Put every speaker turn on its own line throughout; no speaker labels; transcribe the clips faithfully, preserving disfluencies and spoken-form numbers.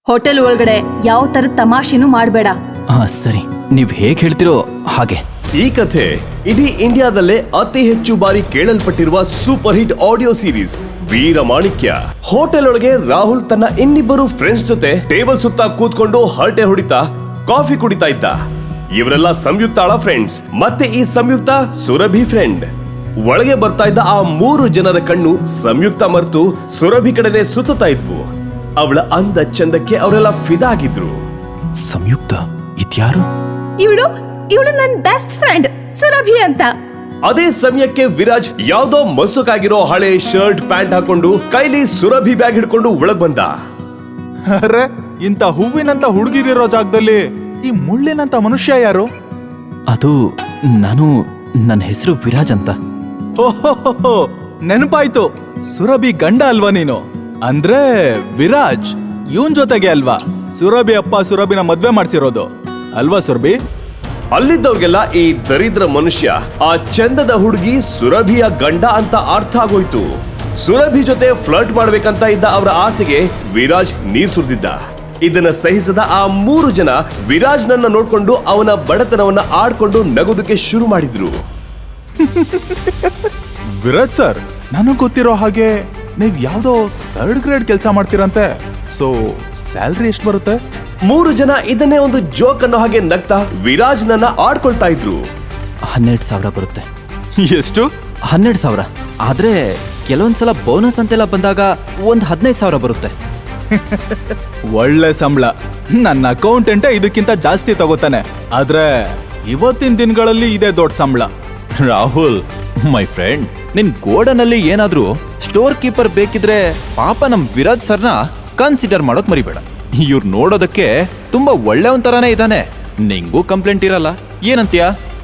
Hotel ಒಳಗಡೆ ಯಾವ ತರದ ತಮಾಷೆನೂ ಮಾಡಬೇಡ.
ಹಾ ಸರಿ, ನೀವ್ ಹೇಗ್ ಹೇಳ್ತಿರೋ ಹಾಗೆ.
ಈ ಕಥೆ ಇಡೀ ಇಂಡಿಯಾದಲ್ಲೇ ಅತಿ ಹೆಚ್ಚು ಬಾರಿ ಕೇಳಲ್ಪಟ್ಟಿರುವ super hit audio series Veeramanikya. Hotel ಒಳಗೆ ರಾಹುಲ್ ತನ್ನ ಇನ್ನಿಬ್ಬರು ಫ್ರೆಂಡ್ಸ್ ಜೊತೆ ಟೇಬಲ್ ಸುತ್ತ ಕೂತ್ಕೊಂಡು ಹರಟೆ ಹೊಡಿತಾ ಕಾಫಿ ಕುಡಿತಾ ಇದ್ದ. ಇವರೆಲ್ಲ ಸಂಯುಕ್ತಾಳ ಫ್ರೆಂಡ್ಸ್. ಮತ್ತೆ ಈ ಸಂಯುಕ್ತ ಸುರಭಿ ಫ್ರೆಂಡ್. ಒಳಗೆ ಬರ್ತಾ ಇದ್ದ ಆ ಮೂರು ಜನರ ಕಣ್ಣು ಸಂಯುಕ್ತ ಮರೆತು ಸುರಭಿ ಕಡೆನೆ ಸುತ್ತಾ ಇದ್ವು. ಅವಳ ಅಂದ ಚಂದಕ್ಕೆ ಅವರೆಲ್ಲ ಫಿದಾ ಆಗಿದ್ರು.
ಸಂಯುಕ್ತ ಇದ್ಯಾರು?
ಇವಳು ಇವಳು ನನ್ನ ಬೆಸ್ಟ್ ಫ್ರೆಂಡ್ ಸುರಭಿ ಅಂತ.
ಅದೇ ಸಮಯಕ್ಕೆ ವಿರಾಜ್ ಯಾವ್ದೋ ಮಸುಕಾಗಿರೋ ಹಳೆ ಶರ್ಟ್ ಪ್ಯಾಂಟ್ ಹಾಕೊಂಡು ಕೈಲಿ ಸುರಭಿ ಬ್ಯಾಗ್ ಹಿಡ್ಕೊಂಡು ಒಳಗ್ ಬಂದ.
ಅರೆ, ಇಂತ ಹೂವಿನಂತ ಹುಡುಗಿರಿರೋ ಜಾಗದಲ್ಲಿ ಈ ಮುಳ್ಳಿನಂತ ಮನುಷ್ಯ ಯಾರು?
ಅದು ನಾನು, ನನ್ನ ಹೆಸರು ವಿರಾಜ್ ಅಂತ.
ಓಹೋ, ನೆನಪಾಯ್ತು. ಸುರಭಿ ಗಂಡ ಅಲ್ವಾ ನೀನು? ಅಂದ್ರೆ ವಿರಾಜ್ ಇವನ್ ಜೊತೆಗೆ ಅಲ್ವಾ ಸುರಭಿ ಅಪ್ಪ ಸುರಭಿನ ಮದ್ವೆ ಮಾಡ್ಸಿರೋದು ಅಲ್ವಾ ಸುರಭಿ?
ಅಲ್ಲಿದ್ದವ್ರಿಗೆಲ್ಲ ಈ ದರಿದ್ರ ಮನುಷ್ಯ ಆ ಚಂದದ ಹುಡುಗಿ ಸುರಭಿಯ ಗಂಡ ಅಂತ ಅರ್ಥ ಆಗೋಯ್ತು. ಸುರಭಿ ಜೊತೆ ಫ್ಲರ್ಟ್ ಮಾಡ್ಬೇಕಂತ ಇದ್ದ ಅವರ ಆಸೆಗೆ ವಿರಾಜ್ ನೀರ್ ಸುರಿದಿದ್ದ. ಇದನ್ನ ಸಹಿಸದ ಆ ಮೂರು ಜನ ವಿರಾಜ್ ನನ್ನ ನೋಡ್ಕೊಂಡು ಅವನ ಬಡತನವನ್ನ ಆಡ್ಕೊಂಡು ನಗೋದಕ್ಕೆ ಶುರು ಮಾಡಿದ್ರು.
ವಿರಾಜ್ ಸರ್, ನನಗ್ ಗೊತ್ತಿರೋ ಹಾಗೆ ನೀವ್ ಯಾವ್ದೋ ಥರ್ಡ್ ಗ್ರೇಡ್ ಕೆಲಸ ಮಾಡ್ತೀರಂತೆ. ಸೊ ಸ್ಯಾಲ್ರಿ ಎಷ್ಟು ಬರುತ್ತೆ?
ಮೂರು ಜನ ಇದನ್ನೇ ಒಂದು ಜೋಕ್ ಅನ್ನೋ ಹಾಗೆ ನಗ್ತಾ ವಿರಾಜ್ ನನ್ನ ಆಡ್ಕೊಳ್ತಾ ಇದ್ರು.
ಹನ್ನೆರಡು ಸಾವಿರ ಬರುತ್ತೆ.
ಎಷ್ಟು?
ಹನ್ನೆರಡು ಸಾವಿರ. ಆದ್ರೆ ಕೆಲವೊಂದ್ಸಲ ಬೋನಸ್ ಅಂತೆಲ್ಲ ಬಂದಾಗ ಒಂದ್ ಹದಿನೈದು ಸಾವಿರ ಬರುತ್ತೆ.
ಒಳ್ಳೆ ಸಂಬಳ. ನನ್ನ ಅಕೌಂಟೆಂಟೇ ಇದಕ್ಕಿಂತ ಜಾಸ್ತಿ ತಗೋತಾನೆ. ಆದ್ರೆ ಇವತ್ತಿನ ದಿನಗಳಲ್ಲಿ ಇದೆ ದೊಡ್ಡ ಸಂಬಳ.
ರಾಹುಲ್ ಮೈ ಫ್ರೆಂಡ್, ನಿನ್ ಗೋಡನಲ್ಲಿ ಏನಾದ್ರೂ ಸ್ಟೋರ್ ಕೀಪರ್ ಬೇಕಿದ್ರೆ ಪಾಪ ನಮ್ ವಿರಾಜ್ ಸರ್ನ ಕನ್ಸಿಡರ್ ಮಾಡೋಕ್ ಮರಿಬೇಡ. ಇವ್ರು ನೋಡೋದಕ್ಕೆ ತುಂಬಾ ಒಳ್ಳೆಯವನ್ ತರಾನೇ ಇದ್ದಾನೆ. ನಿಂಗೂ ಕಂಪ್ಲೇಂಟ್ ಇರಲ್ಲ, ಏನಂತೀಯ?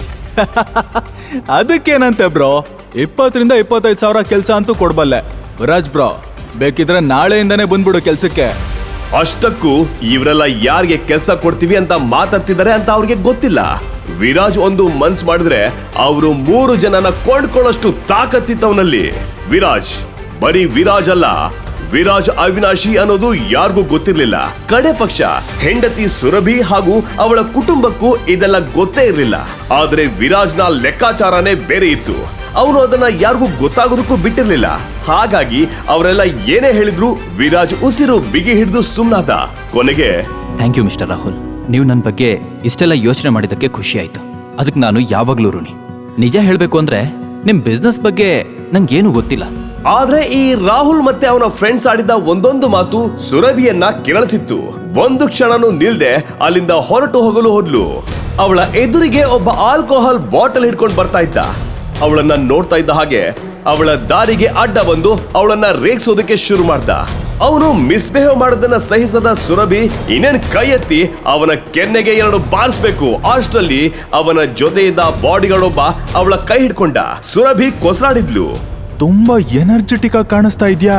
ಅದಕ್ಕೇನಂತೆ ಬ್ರೋ, ಇಪ್ಪತ್ತರಿಂದ ಇಪ್ಪತ್ತೈದು ಸಾವಿರ ಕೆಲಸ ಅಂತೂ ಕೊಡ್ಬಲ್ಲೆ. ವಿರಾಜ್ ಬ್ರೋ, ಬೇಕಿದ್ರೆ ನಾಳೆಯಿಂದಾನೇ ಬಂದ್ಬಿಡು ಕೆಲ್ಸಕ್ಕೆ.
ಅಷ್ಟಕ್ಕೂ ಇವರೆಲ್ಲ ಯಾರಿಗೆ ಕೆಲಸ ಕೊಡ್ತೀವಿ ಅಂತ ಮಾತಾಡ್ತಿದ್ದಾರೆ ಅಂತ ಅವ್ರಿಗೆ ಗೊತ್ತಿಲ್ಲ. ವಿರಾಜ್ ಒಂದು ಮನ್ಸ್ ಮಾಡಿದ್ರೆ ಅವರು ಮೂರು ಜನನ ಕೊಂಡ್ಕೊಳ್ಳೋಷ್ಟು ತಾಕತ್ತಿತ್ತವನಲ್ಲಿ. ವಿರಾಜ್ ಬರೀ ವಿರಾಜ್ ಅಲ್ಲ, ವಿರಾಜ್ ಅವಿನಾಶಿ ಅನ್ನೋದು ಯಾರಿಗೂ ಗೊತ್ತಿರ್ಲಿಲ್ಲ. ಕಡೆ ಪಕ್ಷ ಹೆಂಡತಿ ಸುರಭಿ ಹಾಗೂ ಅವಳ ಕುಟುಂಬಕ್ಕೂ ಇದೆಲ್ಲ ಗೊತ್ತೇ ಇರಲಿಲ್ಲ. ಆದ್ರೆ ವಿರಾಜ್ನ ಲೆಕ್ಕಾಚಾರನೇ ಬೇರೆ ಇತ್ತು. ಅವನು ಅದನ್ನ ಯಾರಿಗೂ ಗೊತ್ತಾಗೋದಕ್ಕೂ ಬಿಟ್ಟಿರ್ಲಿಲ್ಲ. ಹಾಗಾಗಿ ಅವರೆಲ್ಲ ಏನೇ ಹೇಳಿದ್ರು ವಿರಾಜ್ ಉಸಿರು ಬಿಗಿ ಹಿಡಿದು ಸುಮ್ನಾದ. ಕೊನೆಗೆ
ಥ್ಯಾಂಕ್ ಯು ಮಿಸ್ಟರ್ ರಾಹುಲ್, ನೀವು ನನ್ನ ಬಗ್ಗೆ ಇಷ್ಟೆಲ್ಲ ಯೋಚನೆ ಮಾಡಿದ್ದಕ್ಕೆ ಖುಷಿ ಆಯ್ತು. ಅದಕ್ಕೆ ನಾನು ಯಾವಾಗ್ಲೂ ಋಣಿ. ನಿಜ ಹೇಳ್ಬೇಕು ಅಂದ್ರೆ ನಿಮ್ ಬಿಸ್ನೆಸ್ ಬಗ್ಗೆ ನಂಗೇನು ಗೊತ್ತಿಲ್ಲ.
ಆದ್ರೆ ಈ ರಾಹುಲ್ ಮತ್ತೆ ಅವನ ಫ್ರೆಂಡ್ಸ್ ಆಡಿದ ಒಂದೊಂದು ಮಾತು ಸುರಭಿಯನ್ನ ಕೆರಳಿಸಿತ್ತು. ಒಂದು ಕ್ಷಣನೂ ನಿಲ್ದೆ ಅಲ್ಲಿಂದ ಹೊರಟು ಹೋಗಲು ಹೋದ್ಲು. ಅವಳ ಎದುರಿಗೆ ಒಬ್ಬ ಆಲ್ಕೋಹಾಲ್ ಬಾಟಲ್ ಹಿಡ್ಕೊಂಡು ಬರ್ತಾ ಇದ್ದ. ಅವಳನ್ನ ನೋಡ್ತಾ ಇದ್ದ ಹಾಗೆ ಅವಳ ದಾರಿಗೆ ಅಡ್ಡ ಬಂದು ಅವಳನ್ನ ರೇಗಿಸೋದಕ್ಕೆ ಶುರು ಮಾಡ್ದ. ಅವನು ಮಿಸ್ಬಿಹೇವ್ ಮಾಡೋದನ್ನ ಸಹಿಸದ ಸುರಭಿ ಇನ್ನೇನ್ ಕೈ ಎತ್ತಿ ಅವನ ಕೆನ್ನೆಗೆ ಎರಡು ಬಾರಿಸ್ಬೇಕು. ಅಷ್ಟರಲ್ಲಿ ಅವನ ಜೊತೆ ಇದ್ದ ಬಾಡಿಗಳೊಬ್ಬ ಅವಳ ಕೈ ಹಿಡ್ಕೊಂಡ. ಸುರಭಿ ಕೊಸರಾಡಿದ್ಲು.
ತುಂಬಾ ಎನರ್ಜೆಟಿಕ್ ಆಗಿ ಕಾಣಿಸ್ತಾ ಇದ್ಯಾ.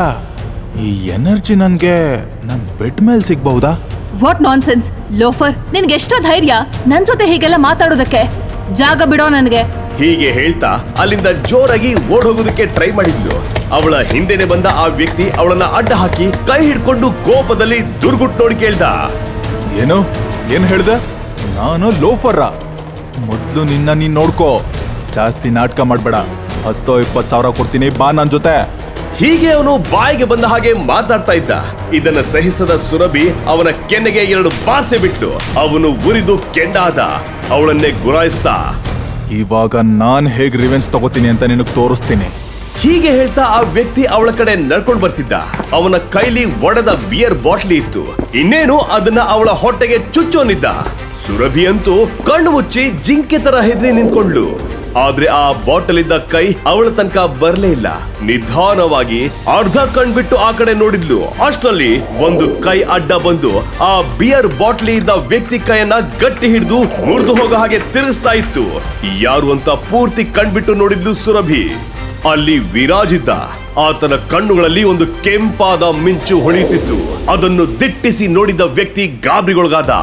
ಈ ಎನರ್ಜಿ ನನ್ಗೆ ನನ್ ಬೆಡ್ ಮೇಲೆ ಸಿಗ್ಬಹುದಾ?
ವಾಟ್ ನಾನ್ಸೆನ್ಸ್ ಲೋಫರ್, ನಿನ್ಗೆ ಎಷ್ಟೋ ಧೈರ್ಯ ನನ್ ಜೊತೆ ಹೀಗೆಲ್ಲ ಮಾತಾಡೋದಕ್ಕೆ? ಜಾಗ ಬಿಡೋ ನನ್ಗೆ.
ಹೀಗೆ ಹೇಳ್ತಾ ಅಲ್ಲಿಂದ ಜೋರಾಗಿ ಓಡ್ ಹೋಗೋದಕ್ಕೆ ಟ್ರೈ ಮಾಡಿದ್ಲು. ಅವಳ ಹಿಂದೆನೆ ಬಂದ ಆ ವ್ಯಕ್ತಿ ಅವಳನ್ನ ಅಡ್ಡ ಹಾಕಿ ಕೈ ಹಿಡ್ಕೊಂಡು ಕೋಪದಲ್ಲಿ ದುರ್ಗುಟ್ ನೋಡಿ ಕೇಳ್ದ,
ಏನು ಏನ್ ಹೇಳ್ದೆ? ನಾನು ಲೋಫರ್ರ? ಮೊದ್ಲು ನಿನ್ನ ನೀನ್ ನೋಡ್ಕೋ. ಜಾಸ್ತಿ ನಾಟಕ ಮಾಡ್ಬೇಡ. ಹತ್ತೋ ಇಪ್ಪತ್ ಸಾವಿರ ಕೊಡ್ತೀನಿ, ಬಾ ನನ್ ಜೊತೆ.
ಹೀಗೆ ಅವನು ಬಾಯಿಗೆ ಬಂದ ಹಾಗೆ ಮಾತಾಡ್ತಾ ಇದ್ದ. ಇದನ್ನ ಸಹಿಸದ ಸುರಭಿ ಅವನ ಕೆನ್ನೆಗೆ ಎರಡು ಬಾರ್ಸೆ ಬಿಟ್ಲು. ಅವನು ಉರಿದು ಕೆಂಡಾದ. ಅವಳನ್ನೇ ಗುರಾಯಿಸ್ತಾ,
ಇವಾಗ ನಾನ್ ಹೇಗ್ ರಿವೆನ್ಸ್ ತಗೋತೀನಿ ಅಂತ ನಿನಗ್ ತೋರಿಸ್ತೀನಿ.
ಹೀಗೆ ಹೇಳ್ತಾ ಆ ವ್ಯಕ್ತಿ ಅವಳ ಕಡೆ ನಡ್ಕೊಂಡು ಬರ್ತಿದ್ದ. ಅವನ ಕೈಲಿ ಒಡೆದ ಬಿಯರ್ ಬಾಟ್ಲಿ ಇತ್ತು. ಇನ್ನೇನು ಅದನ್ನ ಅವಳ ಹೊಟ್ಟೆಗೆ ಚುಚ್ಚೋನಿದ್ದ. ಸುರಭಿ ಅಂತೂ ಕಣ್ಣು ಮುಚ್ಚಿ ಜಿಂಕೆ ತರ ಹೆದರಿ ನಿಂತ್ಕೊಂಡ್ಲು. ಆದ್ರೆ ಆ ಬಾಟಲ್ ಇದ್ದ ಕೈ ಅವಳ ತನಕ ಬರ್ಲೇ ಇಲ್ಲ. ನಿಧಾನವಾಗಿ ಅರ್ಧ ಕಣ್ಬಿಟ್ಟು ಆ ಕಡೆ ನೋಡಿದ್ಲು. ಅಷ್ಟರಲ್ಲಿ ಒಂದು ಕೈ ಅಡ್ಡ ಬಂದು ಆ ಬಿಯರ್ ಬಾಟ್ಲಿ ಇದ್ದ ವ್ಯಕ್ತಿ ಕೈಯನ್ನ ಗಟ್ಟಿ ಹಿಡಿದು ಮುರಿದು ಹೋಗೋ ಹಾಗೆ ತಿರುಗಿಸ್ತಾ ಇತ್ತು. ಯಾರು ಅಂತ ಪೂರ್ತಿ ಕಣ್ಬಿಟ್ಟು ನೋಡಿದ್ಲು ಸುರಭಿ. ಅಲ್ಲಿ ವಿರಾಜ್ ಇದ್ದ. ಆತನ ಕಣ್ಣುಗಳಲ್ಲಿ ಒಂದು ಕೆಂಪಾದ ಮಿಂಚು ಹೊಳೆಯುತ್ತಿತ್ತು. ಅದನ್ನು ದಿಟ್ಟಿಸಿ ನೋಡಿದ ವ್ಯಕ್ತಿ ಗಾಬರಿಗೊಳಗಾದ.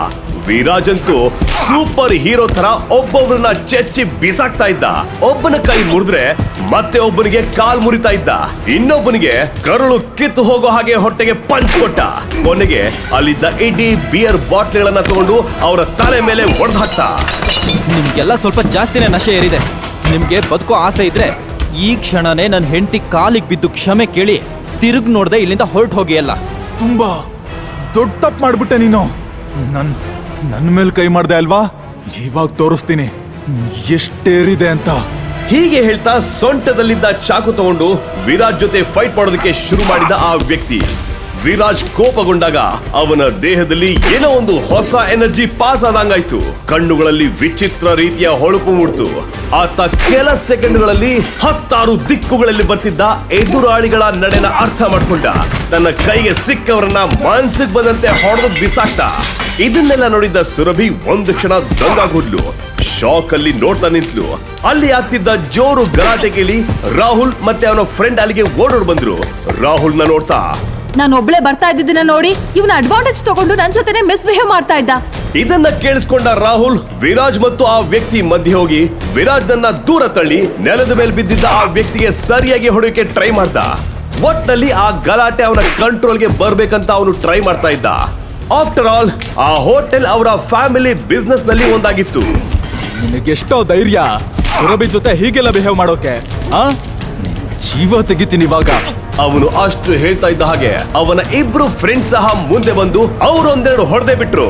ವಿರಾಜ್ ಅಂತೂ ಸೂಪರ್ ಹೀರೋ ತರ ಒಬ್ಬೊಬ್ರನ್ನ ಚೆಚ್ಚಿ ಬಿಸಾಕ್ತಾ ಇದ್ದ. ಒಬ್ಬನ ಕೈ ಮುರಿದ್ರೆ ಮತ್ತೆ ಒಬ್ಬನಿಗೆ ಕಾಲ್ ಮುರಿತಾ ಇದ್ದ, ಇನ್ನೊಬ್ಬನಿಗೆ ಕರುಳು ಕಿತ್ತು ಹೋಗೋ ಹಾಗೆ ಹೊಟ್ಟೆಗೆ ಪಂಚ್ ಕೊಟ್ಟ. ಕೊನೆಗೆ ಅಲ್ಲಿದ್ದ ಇಡೀ ಬಿಯರ್ ಬಾಟ್ಲಿಗಳನ್ನ ತಗೊಂಡು ಅವರ ತಲೆ ಮೇಲೆ ಒಡೆದು ಹಾಕ್ತ.
ನಿಮ್ಗೆಲ್ಲ ಸ್ವಲ್ಪ ಜಾಸ್ತಿನೇ ನಶೆ ಏರಿದೆ. ನಿಮ್ಗೆ ಬದುಕೋ ಆಸೆ ಇದ್ರೆ ಈ ಕ್ಷಣನೇ ನನ್ನ ಹೆಂಡತಿ ಕಾಲಿಗೆ ಬಿದ್ದು ಕ್ಷಮೆ ಕೇಳಿ ತಿರುಗ್ ನೋಡ್ದೆ ಇಲ್ಲಿಂದ ಹೊರಟು ಹೋಗಿ. ಅಲ್ಲ
ತುಂಬಾ ದೊಡ್ಡ ತಪ್ಪು ಮಾಡ್ಬಿಟ್ಟೆ ನೀನು. ನನ್ ನನ್ನ ಮೇಲೆ ಕೈ ಮಾಡ್ದೆ ಅಲ್ವಾ, ಇವಾಗ ತೋರಿಸ್ತೀನಿ ಎಷ್ಟೇರಿದೆ ಅಂತ.
ಹೀಗೆ ಹೇಳ್ತಾ ಸೊಂಟದಲ್ಲಿದ್ದ ಚಾಕು ತಗೊಂಡು ವಿರಾಜ್ ಜೊತೆ ಫೈಟ್ ಮಾಡೋದಕ್ಕೆ ಶುರು ಮಾಡಿದ ಆ ವ್ಯಕ್ತಿ. ವಿರಾಜ್ ಕೋಪಗೊಂಡಾಗ ಅವನ ದೇಹದಲ್ಲಿ ಏನೋ ಒಂದು ಹೊಸ ಎನರ್ಜಿ ಪಾಸ್ ಆದಂಗಾಯ್ತು. ಕಣ್ಣುಗಳಲ್ಲಿ ವಿಚಿತ್ರ ರೀತಿಯ ಹೊಳಪು ಮೂಡ್ತು. ಆತ ಕೆಲ ಸೆಕೆಂಡ್ಗಳಲ್ಲಿ ಹತ್ತಾರು ದಿಕ್ಕುಗಳಲ್ಲಿ ಬರ್ತಿದ್ದ ಎದುರಾಳಿಗಳ ನಡೆನ ಅರ್ಥ ಮಾಡ್ಕೊಂಡ. ತನ್ನ ಕೈಗೆ ಸಿಕ್ಕವರನ್ನ ಮನ್ಸಿಗೆ ಬಂದಂತೆ ಹೊಡೆದು ಬಿಸಾಕ್ತ. ಇದನ್ನೆಲ್ಲ ನೋಡಿದ್ದ ಸುರಭಿ ಒಂದು ಕ್ಷಣ ದಂಗಾಗೋದ್ಲು. ಶಾಕ್ ಅಲ್ಲಿ ನೋಡ್ತಾ ನಿಂತ್ಲು. ಅಲ್ಲಿ ಆಗ್ತಿದ್ದ ಜೋರು ಗಲಾಟೆ ಕೇಳಿ ರಾಹುಲ್ ಮತ್ತೆ ಅವನ ಫ್ರೆಂಡ್ ಅಲ್ಲಿಗೆ ಓಡೋಡ್ ಬಂದ್ರು. ರಾಹುಲ್ನ ನೋಡ್ತಾ,
ನಾನು ಒಬ್ಳೆ ಬರ್ತಾ ಇದ್ದಿದ್ದನ್ನ ನೋಡಿ ಇವನ ಅಡ್ವಾಂಟೇಜ್ ತಗೊಂಡು ನನ್ ಜೊತೆನೆ ಮಿಸ್ಬಿಹೇವ್ ಮಾಡ್ತಾ ಇದ್ದ.
ಇದನ್ನ ಕೇಳಿಸ್ಕೊಂಡ ರಾಹುಲ್ ವಿರಾಜ್ ಮತ್ತು ಆ ವ್ಯಕ್ತಿ ಮಧ್ಯೆ ಹೋಗಿ ವಿರಾಜ್ನನ್ನ ದೂರ ತಳ್ಳಿ ನೆಲದ ಮೇಲೆ ಬಿದ್ದಿದ್ದ ಆ ವ್ಯಕ್ತಿಗೆ ಸರಿಯಾಗಿ ಹೊಡೆಯೋಕೆ ಟ್ರೈ ಮಾಡ್ದ. ಒಟ್ನಲ್ಲಿ ಆ ಗಲಾಟೆ ಅವನ ಕಂಟ್ರೋಲ್ಗೆ ಬರ್ಬೇಕಂತ ಅವನು ಟ್ರೈ ಮಾಡ್ತಾ ಇದ್ದ. ಆಫ್ಟರ್ ಆಲ್ ಆ ಹೋಟೆಲ್ ಅವರ ಫ್ಯಾಮಿಲಿ ಬಿಸ್ನೆಸ್ ನಲ್ಲಿ ಒಂದಾಗಿತ್ತು.
ನಿನಗೆಷ್ಟೋ ಧೈರ್ಯ ಸುರಭಿ ಜೊತೆ ಹೀಗೆಲ್ಲ ಬಿಹೇವ್ ಮಾಡೋಕೆ? ಆ ಜೀವ ತೆಗಿತೀನಿ ಇವಾಗ.
ಅವನು ಅಷ್ಟು ಹೇಳ್ತಾ ಇದ್ದ ಹಾಗೆ ಅವನ ಇಬ್ರು ಫ್ರೆಂಡ್ಸ್ ಸಹ ಮುಂದೆ ಬಂದು ಅವರೊಂದೆರಡು ಹೊಡೆದೇ ಬಿಟ್ರು.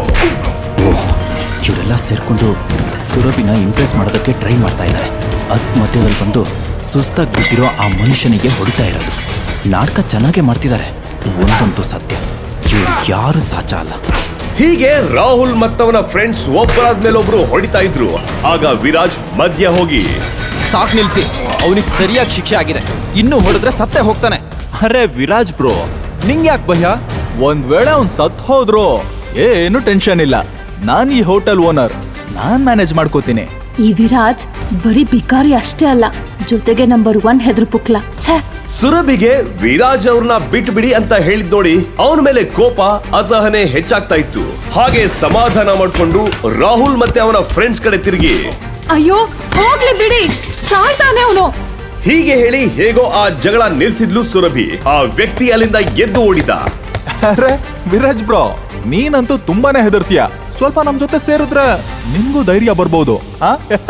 ಇವರೆಲ್ಲ ಸೇರ್ಕೊಂಡು ಸುರಭಿನ ಇಂಪ್ರೆಸ್ ಮಾಡೋದಕ್ಕೆ ಟ್ರೈ ಮಾಡ್ತಾ ಇದ್ದಾರೆ. ಅದಕ್ಕೆ ಮಧ್ಯದಲ್ಲಿ ಬಂದು ಸುಸ್ತಾಗಿ ಬಿಟ್ಟಿರೋ ಆ ಮನುಷ್ಯನಿಗೆ ಹೊಡಿತಾ ಇರೋದು. ನಾಟಕ ಚೆನ್ನಾಗೇ ಮಾಡ್ತಿದ್ದಾರೆ. ಒಂದಂತೂ ಸತ್ಯ, ಇವರು ಯಾರು ಸಾಚ ಅಲ್ಲ.
ಹೀಗೆ ರಾಹುಲ್ ಮತ್ತವನ ಫ್ರೆಂಡ್ಸ್ ಒಬ್ಬರಾದ್ಮೇಲೆ ಒಬ್ರು ಹೊಡಿತಾ ಇದ್ರು. ಆಗ ವಿರಾಜ್ ಮಧ್ಯ ಹೋಗಿ,
ಸಾಕ್ ನಿಲ್ಸಿ, ಅವನಿಗೆ ಸರಿಯಾಗಿ ಶಿಕ್ಷೆ ಆಗಿದೆ. ಇನ್ನು ಹೊಡೆದ್ರೆ ಸತ್ತೇ ಹೋಗ್ತಾನೆ. ಅರೆ ವಿರಾಜ್ ಬ್ರೋ, ನಿಂಗೆ ಯಾಕೆ ಭಯ?
ಒಂದ್ ವೇಳೆ ಅವ್ನ್ ಸತ್ ಹೋದ್ರು ಏನು ಟೆನ್ಷನ್ ಇಲ್ಲ. ನಾನ್ ಈ ಹೋಟೆಲ್ ಓನರ್, ನಾನ್ ಮ್ಯಾನೇಜ್ ಮಾಡ್ಕೋತೀನಿ.
ಈ ವಿರಾಜ್ ಬರೀ ಬಿಕಾರಿ ಅಷ್ಟೇ ಅಲ್ಲ, ಜೊತೆಗೆ ನಂಬರ್ ಒನ್ ಹೆದ್ರು ಪುಕ್ಲ. ಛೇ,
ಸುರಭಿಗೆ ವಿರಾಜ್ ಅವ್ರನ್ನ ಬಿಟ್ಟು ಬಿಡಿ ಅಂತ ಹೇಳಿದ್ ನೋಡಿ ಅವನ ಮೇಲೆ ಕೋಪ ಅಸಹನೆ ಹೆಚ್ಚಾಗ್ತಾ ಇತ್ತು. ಹಾಗೆ ಸಮಾಧಾನ ಮಾಡ್ಕೊಂಡು ರಾಹುಲ್ ಮತ್ತೆ ಅವನ ಫ್ರೆಂಡ್ಸ್ ಕಡೆ ತಿರುಗಿ,
ಅಯ್ಯೋ ಹೋಗ್ಲಿ ಬಿಡಿ, ಸಾಯ್ತಾನೆ ಅವನು.
ಹೀಗೆ ಹೇಳಿ ಹೇಗೋ ಆ ಜಗಳ ನಿಲ್ಸಿದ್ಲು ಸುರಭಿ. ಆ ವ್ಯಕ್ತಿ ಅಲ್ಲಿಂದ ಎದ್ದು ಓಡಿದ.
ಅರೆ ವಿರಾಜ್ ಬ್ರೋ, ನೀನಂತೂ ತುಂಬಾನೇ ಹೆದರ್ತೀಯ. ಸ್ವಲ್ಪ ನಮ್ ಜೊತೆ ಸೇರಿದ್ರೆ ನಿಮ್ಗೂ ಧೈರ್ಯ ಬರ್ಬೋದು. ಆ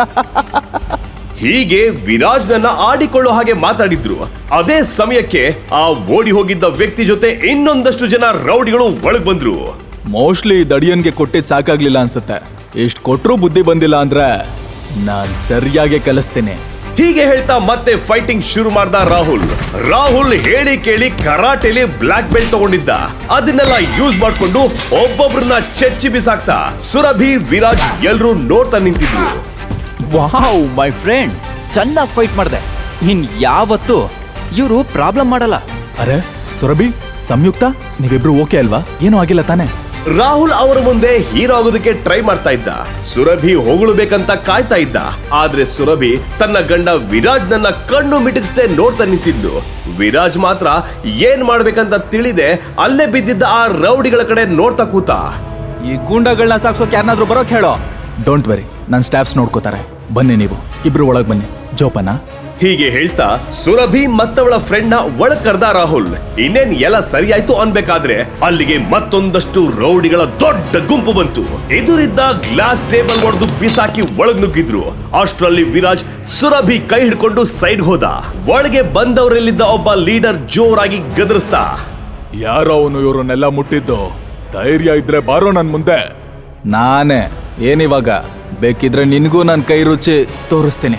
ಹೀಗೆ ವಿರಾಜ್ ನನ್ನ ಆಡಿಕೊಳ್ಳೋ ಹಾಗೆ ಮಾತಾಡಿದ್ರು. ಅದೇ ಸಮಯಕ್ಕೆ ಆ ಓಡಿ ಹೋಗಿದ್ದ ವ್ಯಕ್ತಿ ಜೊತೆ ಇನ್ನೊಂದಷ್ಟು ಜನ ರೌಡಿಗಳು ಒಳಗ್ ಬಂದ್ರು.
ಮೋಸ್ಟ್ಲಿ ದಡಿಯನ್ಗೆ ಕೊಟ್ಟಿದ್ ಸಾಕಾಗ್ಲಿಲ್ಲ ಅನ್ಸುತ್ತೆ. ಇಷ್ಟ್ ಕೊಟ್ರು ಬುದ್ಧಿ ಬಂದಿಲ್ಲ ಅಂದ್ರೆ ನಾನ್ ಸರಿಯಾಗಿ ಕಲಿಸ್ತೀನಿ.
ಹೀಗೆ ಹೇಳ್ತಾ ಮತ್ತೆ ಫೈಟಿಂಗ್ ಶುರು ಮಾಡ್ದ ರಾಹುಲ್. ರಾಹುಲ್ ಹೇಳಿ ಕೇಳಿ ಕರಾಟೆಲಿ ಬ್ಲಾಕ್ ಬೆಲ್ಟ್ ತಗೊಂಡಿದ್ದ. ಅದನ್ನೆಲ್ಲ ಯೂಸ್ ಮಾಡ್ಕೊಂಡು ಒಬ್ಬೊಬ್ರನ್ನ ಚೆಚ್ಚಿ ಬಿಸಾಕ್ತಾ ಸುರಭಿ ವಿರಾಜ್ ಎಲ್ರೂ ನೋಡ್ತಾ ನಿಂತಿದ್ರು.
ವಾವ್ ಮೈ ಫ್ರೆಂಡ್, ಚೆನ್ನಾಗಿ ಫೈಟ್ ಮಾಡಿದೆ. ಇನ್ ಯಾವತ್ತು ಇವರು ಪ್ರಾಬ್ಲಮ್ ಮಾಡಲ್ಲ.
ಅರೆ ಸುರಭಿ, ಸಂಯುಕ್ತ, ನೀವಿಬ್ರು ಓಕೆ ಅಲ್ವಾ? ಏನೂ ಆಗಿಲ್ಲ ತಾನೆ?
ರಾಹುಲ್ ಅವರ ಮುಂದೆ ಹೀರೋ ಆಗೋದಕ್ಕೆ ಟ್ರೈ ಮಾಡ್ತಾ ಇದ್ದ. ಸುರಭಿ ಹೊಗಳಬೇಕಂತ ಕಾಯ್ತಾ ಇದ್ದ. ಆದ್ರೆ ಸುರಭಿ ತನ್ನ ಗಂಡ ವಿರಾಜ್ ನನ್ನ ಕಣ್ಣು ಮಿಟುಕಿಸದೆ ನೋಡ್ತಾ ನಿಂತಿದ್ಲು. ವಿರಾಜ್ ಮಾತ್ರ ಏನ್ ಮಾಡ್ಬೇಕಂತ ತಿಳಿದೆ ಅಲ್ಲೇ ಬಿದ್ದಿದ್ದ ಆ ರೌಡಿಗಳ ಕಡೆ ನೋಡ್ತಾ ಕೂತ.
ಈ ಗೂಂಡಗಳನ್ನ ಸಾಕ್ಸೋಕೆ ಯಾರನ್ನಾದ್ರೂ ಬರೋಕ್ ಹೇಳೋ. ಡೋಂಟ್ ವೆರಿ, ನನ್ನ ಸ್ಟಾಫ್ಸ್ ನೋಡ್ಕೋತಾರೆ. ಬನ್ನಿ, ನೀವು ಇಬ್ರು ಒಳಗ್ ಬನ್ನಿ. ಜೋಪನ
ಹೀಗೆ ಹೇಳ್ತಾ ಸುರಭಿ ಮತ್ತವಳ ಫ್ರೆಂಡ್ ನ ಒಳಗ್ ಕರ್ದ ರಾಹುಲ್. ಇನ್ನೇನ್ ಎಲ್ಲ ಸರಿಯಾಯ್ತು ಅನ್ಬೇಕಾದ್ರೆ ಅಲ್ಲಿಗೆ ಮತ್ತೊಂದಷ್ಟು ರೌಡಿಗಳ ದೊಡ್ಡ ಗುಂಪು ಬಂತು. ಎದುರಿದ್ದ ಗ್ಲಾಸ್ ಟೇಬಲ್ ಹೊಡೆದು ಬಿಸಾಕಿ ಒಳಗ್ ನುಗ್ಗಿದ್ರು. ಅಷ್ಟರಲ್ಲಿ ವಿರಾಜ್ ಸುರಭಿ ಕೈ ಹಿಡ್ಕೊಂಡು ಸೈಡ್ ಹೋದ. ಒಳಗೆ ಬಂದವರಲ್ಲಿದ್ದ ಒಬ್ಬ ಲೀಡರ್ ಜೋರಾಗಿ ಗದರಿಸ್ತಾ,
ಯಾರೋ ಅವನು ಇವ್ರನ್ನೆಲ್ಲ ಮುಟ್ಟಿದ್ದು? ಧೈರ್ಯ ಇದ್ರೆ ಬಾರೋ ನನ್ ಮುಂದೆ. ನಾನೇ ಏನಿವಾಗ? ಬೇಕಿದ್ರೆ ನಿನ್ಗೂ ನನ್ ಕೈ ರುಚಿ ತೋರಿಸ್ತೀನಿ.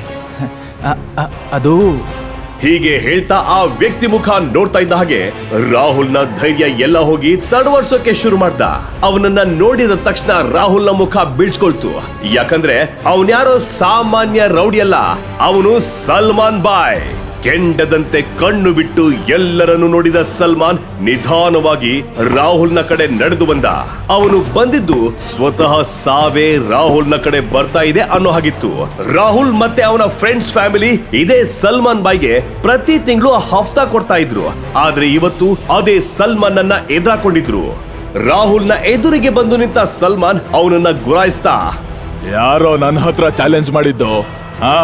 ಅದು
ಹೀಗೆ ಹೇಳ್ತಾ ಆ ವ್ಯಕ್ತಿ ಮುಖ ನೋಡ್ತಾ ಇದ್ದ ಹಾಗೆ ರಾಹುಲ್ನ ಧೈರ್ಯ ಎಲ್ಲ ಹೋಗಿ ತಡವರ್ಸೋಕೆ ಶುರು ಮಾಡ್ದ. ಅವನನ್ನ ನೋಡಿದ ತಕ್ಷಣ ರಾಹುಲ್ನ ಮುಖ ಬೀಳ್ಸ್ಕೊಳ್ತು. ಯಾಕಂದ್ರೆ ಅವನ್ಯಾರೋ ಸಾಮಾನ್ಯ ರೌಡಿ ಅಲ್ಲ, ಅವನು ಸಲ್ಮಾನ್ ಬಾಯ್. ಕೆಂಡದಂತೆ ಕಣ್ಣು ಬಿಟ್ಟು ಎಲ್ಲರನ್ನು ನೋಡಿದ ಸಲ್ಮಾನ್ ನಿಧಾನವಾಗಿ ರಾಹುಲ್ನ ಕಡೆ ನಡೆದು ಬಂದ. ಅವನು ಬಂದಿದ್ದು ಸ್ವತಃ ಸಾವೇ ರಾಹುಲ್ನ ಕಡೆ ಬರ್ತಾ ಇದೆ ಅನ್ನೋ ಹಾಗಿತ್ತು. ರಾಹುಲ್ ಮತ್ತೆ ಅವನ ಫ್ರೆಂಡ್ಸ್ ಫ್ಯಾಮಿಲಿ ಇದೇ ಸಲ್ಮಾನ್ ಬಾಯ್ಗೆ ಪ್ರತಿ ತಿಂಗಳು ಹಫ್ತಾ ಕೊಡ್ತಾ ಇದ್ರು. ಆದ್ರೆ ಇವತ್ತು ಅದೇ ಸಲ್ಮಾನ್ ಅನ್ನ ಎದುರಾಕೊಂಡಿದ್ರು. ರಾಹುಲ್ನ ಎದುರಿಗೆ ಬಂದು ನಿಂತ ಸಲ್ಮಾನ್ ಅವನನ್ನ ಗುರಾಯಿಸ್ತಾ,
ಯಾರೋ ನನ್ನ ಹತ್ರ ಚಾಲೆಂಜ್ ಮಾಡಿದ್ದು ಹಾ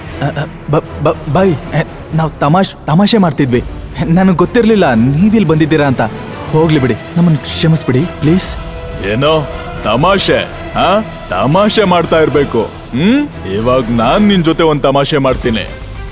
ಬೈ ನಾವು ತಮಾಷ್ ತಮಾಷೆ ಮಾಡ್ತಿದ್ವಿ. ನನಗೆ ಗೊತ್ತಿರ್ಲಿಲ್ಲ ನೀವಿಲ್ಲಿ ಬಂದಿದ್ದೀರಾ ಅಂತ. ಹೋಗ್ಲಿ ಬಿಡಿ, ನಮ್ಮನ್ನು ಕ್ಷಮಿಸ್ಬಿಡಿ ಪ್ಲೀಸ್. ಏನೋ ತಮಾಷೆ? ಹಾ ತಮಾಷೆ ಮಾಡ್ತಾ ಇರ್ಬೇಕು. ಹ್ಮ್ ಇವಾಗ ನಾನ್ ನಿನ್ ಜೊತೆ ಒಂದ್ ತಮಾಷೆ ಮಾಡ್ತೀನಿ.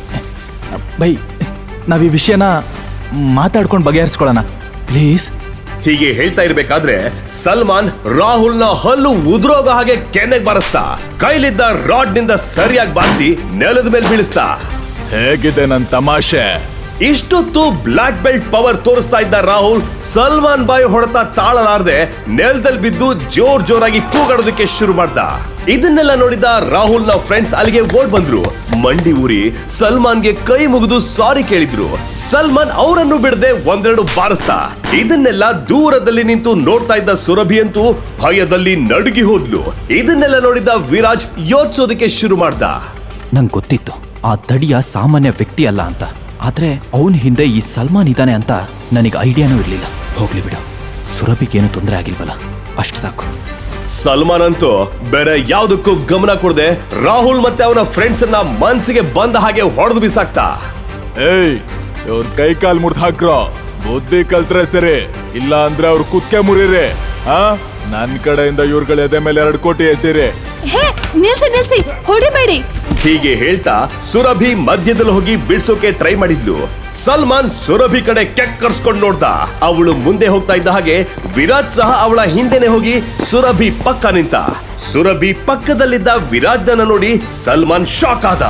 ಬೈ ನಾವ್ ಈ ವಿಷಯನ ಮಾತಾಡ್ಕೊಂಡು ಬಗೆಹರಿಸ್ಕೊಳ್ಳೋಣ ಪ್ಲೀಸ್.
ಹೀಗೆ ಹೇಳ್ತಾ ಇರ್ಬೇಕಾದ್ರೆ ಸಲ್ಮಾನ್ ರಾಹುಲ್ನ ಹಲ್ಲು ಉದುರೋಗ ಹಾಗೆ ಕೆನ್ನೆಗ್ ಬಾರಿಸ್ತಾ ಕೈಲಿದ್ದ ರಾಡ್ ನಿಂದ ಸರಿಯಾಗಿ ಬಾರಿಸಿ ನೆಲದ ಮೇಲೆ ಬೀಳಿಸ್ತಾ.
ಹೇಗಿದೆ ನನ್ ತಮಾಷೆ?
ಇಷ್ಟೊತ್ತು ಬ್ಲಾಕ್ ಬೆಲ್ಟ್ ಪವರ್ ತೋರಿಸ್ತಾ ಇದ್ದ ರಾಹುಲ್ ಸಲ್ಮಾನ್ ಬಾಯಿ ಹೊಡೆತ ತಾಳಲಾರದೆ ನೆಲದಲ್ಲಿ ಬಿದ್ದು ಜೋರ್ ಜೋರಾಗಿ ಕೂಗಾಡೋದಕ್ಕೆ ಶುರು ಮಾಡ್ದ. ಇದನ್ನೆಲ್ಲ ನೋಡಿದ ರಾಹುಲ್ ನ ಫ್ರೆಂಡ್ಸ್ ಅಲ್ಲಿಗೆ ಓಡ್ ಬಂದ್ರು. ಮಂಡಿ ಊರಿ ಸಲ್ಮಾನ್ಗೆ ಕೈ ಮುಗಿದು ಸಾರಿ ಕೇಳಿದ್ರು. ಸಲ್ಮಾನ್ ಅವರನ್ನು ಬಿಡದೆ ಒಂದೆರಡು ಬಾರಿಸ್ತಾ. ಇದನ್ನೆಲ್ಲ ದೂರದಲ್ಲಿ ನಿಂತು ನೋಡ್ತಾ ಇದ್ದ ಸುರಭಿ ಅಂತೂ ಭಯದಲ್ಲಿ ನಡುಗಿ ಹೋದ್ಲು. ಇದನ್ನೆಲ್ಲ ನೋಡಿದ ವಿರಾಜ್ ಯೋಚಿಸೋದಕ್ಕೆ ಶುರು ಮಾಡ್ದ.
ನಂಗೆ ಗೊತ್ತಿತ್ತು ಆ ದಡಿಯ ಸಾಮಾನ್ಯ ವ್ಯಕ್ತಿ ಅಲ್ಲ ಅಂತ, ಆದ್ರೆ ಅವನ ಹಿಂದೆ ಈ ಸಲ್ಮಾನ್ ಇದ್ದಾನೆ ಅಂತ ನನಗೆ ಐಡಿಯಾನೂ ಇರ್ಲಿಲ್ಲ. ಹೋಗ್ಲಿ ಬಿಡು, ಸುರಭಿಗೇನು ತೊಂದರೆ ಆಗಿಲ್ವಲ್ಲ, ಅಷ್ಟು ಸಾಕು.
ಸಲ್ಮಾನ್ ಅಂತೂ ಬೇರೆ ಯಾವ್ದಕ್ಕೂ ಗಮನ ಕೊಡದೆ ರಾಹುಲ್ ಮತ್ತೆ ಅವನ ಫ್ರೆಂಡ್ಸ್ ಅನ್ನ ಮನ್ಸಿಗೆ ಬಂದ ಹಾಗೆ ಹೊಡೆದು ಬಿಸಾಕ್ತಾ.
ಏಯ್ ಇವ್ರ ಕೈ ಕಾಲ್ ಮುರ್ದ್ ಹಾಕ್ರೋ, ಬುದ್ಧಿ ಕಲ್ತ್ರೆ ಸರಿ, ಇಲ್ಲ ಅಂದ್ರೆ ಅವ್ರ ಕುತ್ಕೆ ಮುರಿರಿ. ಹಾ ನನ್ ಕಡೆಯಿಂದ ಇವ್ರಗಳ ಎದೆ ಮೇಲೆ ಎರಡು ಕೋಟಿ ಎಸಿರಿ.
ಹೇ ನಿಲ್ಸಿ ನಿಲ್ಸಿ, ಹೊಡಿಬೇಡಿ.
ಹೀಗೆ ಹೇಳ್ತಾ ಸುರಭಿ ಮಧ್ಯದಲ್ಲಿ ಹೋಗಿ ಬಿಡ್ಸೋಕೆ ಟ್ರೈ ಮಾಡಿದ್ಲು. ಸಲ್ಮಾನ್ ಸುರಭಿ ಕಡೆ ಕೆಕ್ಕರ್ಸ್ಕೊಂಡು ನೋಡ್ದ. ಅವಳು ಮುಂದೆ ಹೋಗ್ತಾ ಇದ್ದ ಹಾಗೆ ವಿರಾಜ್ ಸಹ ಅವಳ ಹಿಂದೆನೆ ಹೋಗಿ ಸುರಭಿ ಪಕ್ಕ ನಿಂತ. ಸುರಭಿ ಪಕ್ಕದಲ್ಲಿದ್ದ ವಿರಾಜ್ನ ನೋಡಿ ಸಲ್ಮಾನ್ ಶಾಕ್ ಆದ.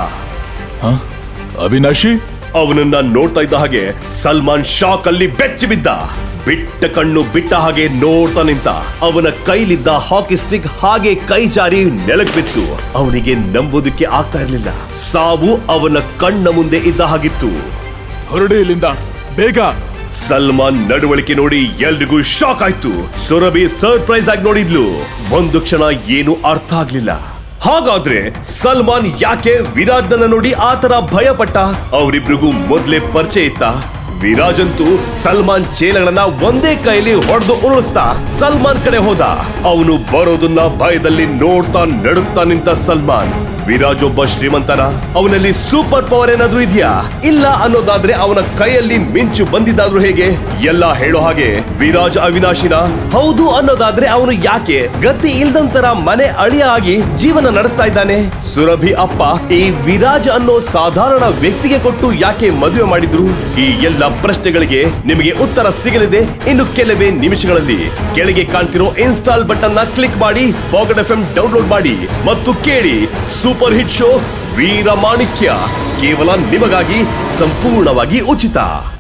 ಅವಿನಾಶಿ
ಅವನನ್ನ ನೋಡ್ತಾ ಇದ್ದ ಹಾಗೆ ಸಲ್ಮಾನ್ ಶಾಕ್ ಅಲ್ಲಿ ಬೆಚ್ಚಿ ಬಿದ್ದ. ಬಿಟ್ಟ ಕಣ್ಣು ಬಿಟ್ಟ ಹಾಗೆ ನೋಡ್ತಾ ನಿಂತ. ಅವನ ಕೈಲಿದ್ದ ಹಾಕಿ ಸ್ಟಿಕ್ ಹಾಗೆ ಕೈ ಜಾರಿ ನೆಲಕ್ ಬಿತ್ತು. ಅವನಿಗೆ ನಂಬೋದಕ್ಕೆ ಆಗ್ತಾ ಇರ್ಲಿಲ್ಲ. ಸಾವು ಅವನ ಕಣ್ಣ ಮುಂದೆ ಇದ್ದ ಹಾಗಿತ್ತು.
ಹೊರಡಿ ಇಲ್ಲಿಂದ ಬೇಗ.
ಸಲ್ಮಾನ್ ನಡವಳಿಕೆ ನೋಡಿ ಎಲ್ರಿಗೂ ಶಾಕ್ ಆಯ್ತು. ಸುರಭಿ ಸರ್ಪ್ರೈಸ್ ಆಗಿ ನೋಡಿದ್ಲು. ಒಂದು ಕ್ಷಣ ಏನು ಅರ್ಥ ಆಗ್ಲಿಲ್ಲ. ಹಾಗಾದ್ರೆ ಸಲ್ಮಾನ್ ಯಾಕೆ ವಿರಾಜ್ನ ನೋಡಿ ಆತರ ಭಯ ಪಟ್ಟ? ಅವರಿಬ್ರಿಗೂ ಮೊದ್ಲೇ ಪರಿಚಯ ಇತ್ತ? ವಿರಾಜ್ ಅಂತೂ ಸಲ್ಮಾನ್ ಚೇಲಗಳನ್ನ ಒಂದೇ ಕೈಲಿ ಹೊಡೆದು ಉರುಳಿಸ್ತಾ ಸಲ್ಮಾನ್ ಕಡೆ ಹೋದ. ಅವನು ಬರೋದನ್ನ ಭಯದಲ್ಲಿ ನೋಡ್ತಾ ನಡುಗ್ತಾ ನಿಂತ ಸಲ್ಮಾನ್. ವಿರಾಜ್ ಒಬ್ಬ ಶ್ರೀಮಂತನ? ಅವನಲ್ಲಿ ಸೂಪರ್ ಪವರ್ ಏನಾದ್ರೂ ಇದೆಯಾ? ಇಲ್ಲ ಅನ್ನೋದಾದ್ರೆ ಅವನ ಕೈಯಲ್ಲಿ ಮಿಂಚು ಬಂದಿದ್ದಾದ್ರೂ ಹೇಗೆ? ಎಲ್ಲ ಹೇಳೋ ಹಾಗೆ ವಿರಾಜ್ ಅವಿನಾಶಿನ? ಹೌದು ಅನ್ನೋದಾದ್ರೆ ಅವನು ಯಾಕೆ ಗತಿ ಇಲ್ದಂತರ ಮನೆ ಅಳಿಯ ಆಗಿ ಜೀವನ ನಡೆಸ್ತಾ ಇದ್ದಾನೆ? ಸುರಭಿ ಅಪ್ಪ ಈ ವಿರಾಜ್ ಅನ್ನೋ ಸಾಧಾರಣ ವ್ಯಕ್ತಿಗೆ ಕೊಟ್ಟು ಯಾಕೆ ಮದುವೆ ಮಾಡಿದ್ರು? ಈ ಎಲ್ಲ ಪ್ರಶ್ನೆಗಳಿಗೆ ನಿಮಗೆ ಉತ್ತರ ಸಿಗಲಿದೆ ಇನ್ನು ಕೆಲವೇ ನಿಮಿಷಗಳಲ್ಲಿ. ಕೆಳಗೆ ಕಾಣ್ತಿರೋ ಇನ್ಸ್ಟಾಲ್ ಬಟನ್ ನ ಕ್ಲಿಕ್ ಮಾಡಿ ಪಾಕೆಟ್ ಎಫ್ ಎಂ ಡೌನ್ಲೋಡ್ ಮಾಡಿ ಮತ್ತು ಕೇಳಿ ಸೂಪರ್ ಹಿಟ್ ಶೋ ವೀರಮಾಣಿಕ್ಯ, ಕೇವಲ ನಿಮಗಾಗಿ ಸಂಪೂರ್ಣವಾಗಿ ಉಚಿತ.